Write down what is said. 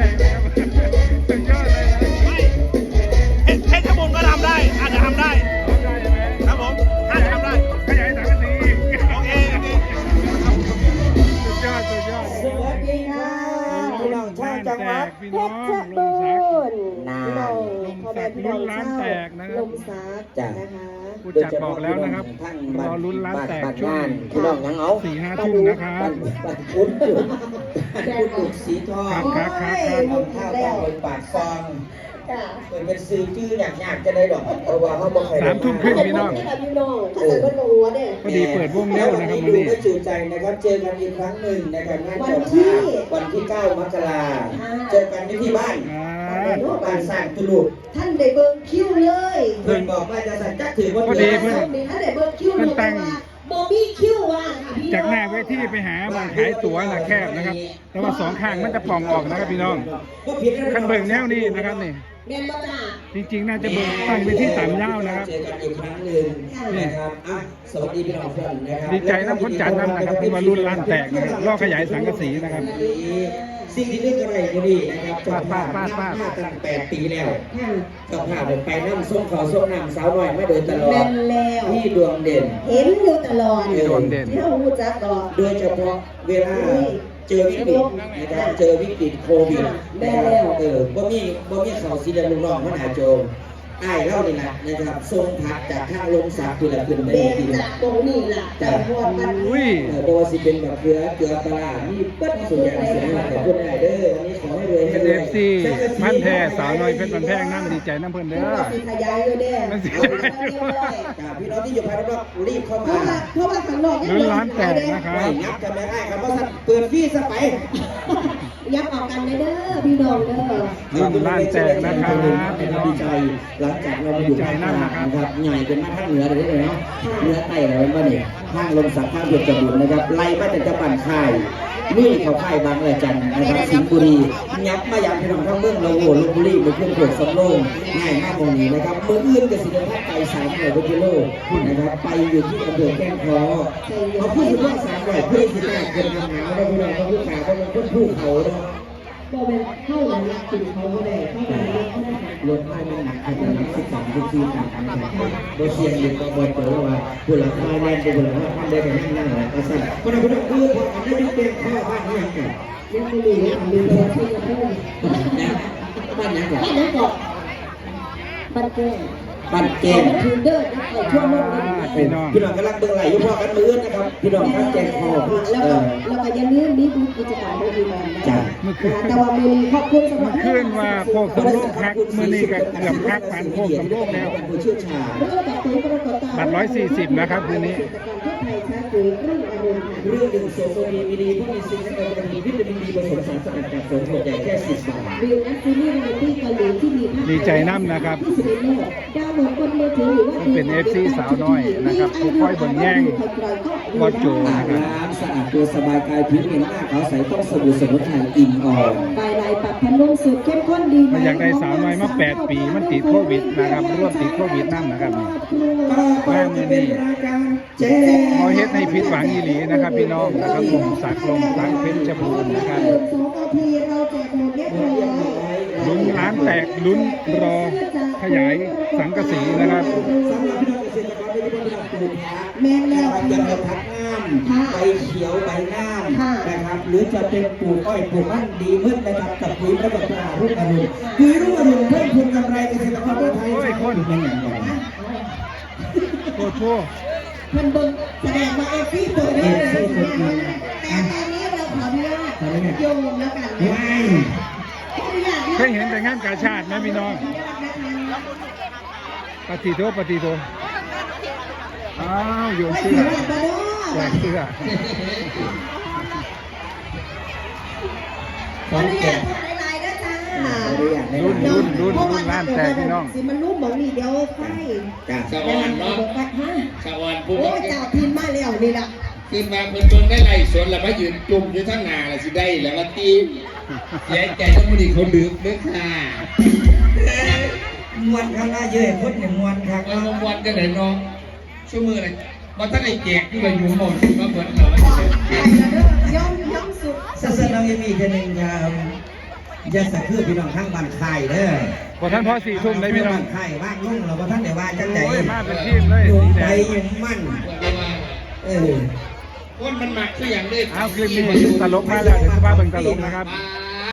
งนะครับสุดยอดเลยนะเพชรบูรณ์ก็ทำได้อาจจะทำได้ครับผมอาจจะทำได้ขยายสังกะสีโอเคสุดยอดสวัสดีค่ะพี่น้องชาวจังหวัดเพชรบูรณ์นานพ่อแม่พี่น้องชาวลมซักนะคะผู้จัดบอกแล้วนะครับรอลุ้นร้านแตกช่วงพี่น้องยังเอา 4-5 ทุ่มนะครับพุทธสีทองครับข้าวปลาปากฟองเป็นซื้อชื่ออยากจะได้ดอกเพราะว่าเขาบอกใคร 3 ทุ่มครึ่งพี่น้องพอดีเปิดวงเร็วนะครับวันนี้ก็จูใจนะครับเจอกันอีกครั้งหนึ่งนะครับงานจบวันที่ 9 มกราเจอกันที่บ้านบ้านสร้างตุลุท่านได้เบิร์คิวเลยเพื่อนบอกว่าจะสั่งจักถือว่าพอดีเพื่อนท่านได้เบิร์คิวเลยว่าบอบี้คิวว่าพี่น้องจากหน้าเวทีไปหาหมองขายตั๋วนะแคบนะครับ แต่ว่า2 ข้างมันจะป่องออกนะครับพี่น้องคันเบิ่งแนวนี้นะครับนี่เรียนมาจากจริงๆน่าจะเบิ่งตั้งไปที่3 ยาวนะครับเจอกันอีกครั้งหนึ่งนะครับสวัสดีพี่น้องเพื่อนนะครับดีใจน้ำพ้นจัดน้ำนะครับที่มารุ่นร้านแตกนะครับล่อขยายสังกะสีนะครับสิ่งที่นึกอะไรก็ดีนะครับจบภาพตั้ง8 ปีแล้วจบภาพไปน้ำส้มขาวส้มน้ำสาวหน่อยมาโดยตลอดที่ดวงเด่นเห็นอยู่ตลอดดวงเด่นที่เรารู้จักก่อนโดยเฉพาะเวลาเจอวิกฤตนะครับเจอวิกฤตโควิดนะครับบ่มีข่าวสีแดงลุงน้องมันหาโจมไอ้เล่านี่แหละนะครับทรงผักจากข้างลงสาคือละขึ้นไปเด็กทีจากตรงนี้ล่ะแต่พวกมันอุ้ยเพราะว่าสิเป็นแบบเกลือปลามีเปิ้ลส่วนใหญ่เสียงแต่คนไหนเด้อวันนี้ขอให้รวยให้รวย FC มันแท้สาวน้อยเพชรมันแพงน้ำดีใจน้ำเพิ่นเด้อสีขยายเลยแน่พี่น้องที่อยู่ภายนอกรีบเข้าเพมาราะว่าข้างนอกยังลุ้นร้านแตกนะครับไม่งับจะไม่ได้ครับเพราะเปิดพี่สไปยับออกกันเลยเด้อพี่น้องเด้อรุ่นร้านแตกนะครับพี่น้องดีใจหลังจากเราอยู่ภาคกลางนะครับใหญ่เป็นภาคเหนือเลยเนาะเหนือใต้เราบ้านนี่ข้างลมสักข้างเพชรบูรณ์นะครับไล่มาแต่จะปั่นค่ายนี่เขาค่ายบางระจันนะครับสิงห์บุรียับมาอย่างพี่น้องทั้งเมืองเราโหลพบุรีเป็นเครื่องตรวจสำโรงง่ายมากตรงนี้นะครับเมืองอื่นกับสิงห์บุรีไป300 กิโลนะครับไปอยู่ที่อำเภอแก้งคอเขาพูดถึงว่า300เพื่อที่จะเกิดปัญหาเราพี่น้องเขาพูดข่าวเขาเป็นผู้เขาเนาะก็เป็นเข้าหลังกินเขาก็ได้เข้าหลังเขาได้รถไฟมันหนักขนาด12 ต่างกันนะครับโดยเชียงอยู่กับบอยตัวว่าผู้หลักไฟแรงผู้หลักไฟได้กันนั่งหลังกระสันคนเราคือพออันนี้เป็นข้อบ้านนี้ยังไงยังไม่รู้ยังไม่รู้ที่จะพูดบ้านยังไงบ้านไหนก่อนบ้านเก้งบ้านเกมทูเดอร์ในทั่วโลกเลยพี่น้องพี่น้องกำลังเบิ่งไหลอยู่พอกันมือนะครับพี่น้องทั้งแจงคอแล้วก็ยังลืมนี่ดูกิจกรรมโดยดีมันนะแต่ว่ามีครอบครัวสำหรับขึ้นว่าโคกสำโรงพักมื้อนี้ก็เกือบพักผ่านโคกสำโรงแล้วผู้เชี่ยวชาญบัตร140นะครับคืนนี้เรื่องหนึ่งโซโซดีมีดีผู้มีสิ่งที่เป็นวิตามินดีผสมสารสกัดจากสมุนไพรแค่10 บาทวิวนักซีรีส์เรียลลิตี้เกาหลีที่มีภาคดีใจน้ำนะครับที่สุดในโลกดาวน์โหลดบนมือถือหรือว่าเป็น FC สาวน้อยนะครับผู้ค่อยเบิ่งแย่งบอสโจนะครับน้ำสะอาดตัวสบายกายผิวเห็นหน้าขาวใสต้องสบู่สมุนไพรอินออลปลายลายปรับพันลมสูตรเข้มข้นดีมันอยากได้สาวน้อยมา8 ปีมันติดโควิดนะครับร่วมติดโควิดน้ำนะครับแม่มือนี่พอเฮ็ดให้ผิดหวังอีหลีนะครับพี่น้องนะครับผมสักลมสักเพชรบูรณ์นะครับ 2 นาทีเราแจกหมดเรียบร้อยลุ้นร้านแตกลุ้นรอขยายสังกะสีนะครับสำหรับพี่น้องเกษตรกรที่เป็นผู้ปลูกผักแม่นแล้วจะเป็นผักงามใบเขียวใบงามนะครับหรือจะเป็นปลูกอ้อยปลูกมันดีมืดนะครับกับปุ๋ยระบบตรารุ่งอรุณปุ๋ยรุ่งอรุณเพิ่มพูนกำไรเกษตรกรทั่วไทยเป็นอย่างไรโคตรโชเพิ่นเบิ่งแสดงว่าเอฟซีตัวนี้เลยนะคะแต่ตอนนี้เราขออนุญาตโยงแล้วกันนะว้ายเคยเห็นแต่งานกาชาติไหมพี่น้องปฏิโทอ้าวโยนเสื้อแจกเสื้อขออนุญาตพูดหลายๆนะจ้ารุ่นร้านแตกพี่น้องสิมันรู้หมองนี่เดี๋ยวไฟสวรรค์เนาะสวรรค์ผู้โอ้ยเจ้าพินมาแล้วนี่ล่ะขึ้นมาเพิ่นเบิ่งได้ไล่สวนแล้วมายืนจุ่มอยู่ทั้งหน้าแล้วสิได้แล้วก็ตีเสียใจต้องบ่ดีเขาลืมเด้อค่ะมวนข้างหน้าเยอะคนหนึ่งมวนครับแล้วรางวัลจังได๋เนาะชั่วมืออะไรบ่ทันได้แจกที่ว่าอยู่หม้องมาเบิดแล้วไปแล้วเด้อย่อมสุดสัสน้องยังมีแค่หนึ่งครับอย่าสะคือพี่น้องทั้งบ้านไข่เด้อพอท่านพ่อ4 ทุ่มเลยพี่น้องไข่ว่างลุ่งเราพอท่านเดี๋ยวว่าจังใจโอ้ยมาเป็นทีมเลยอยู่สีแดไปงอยู่มั่นเออคนมันหมักคืออย่างนี้เอาคลิปนี้ตลกมาแล้วเดี๋ยวจะพาเบิ่งตลกนะครับมา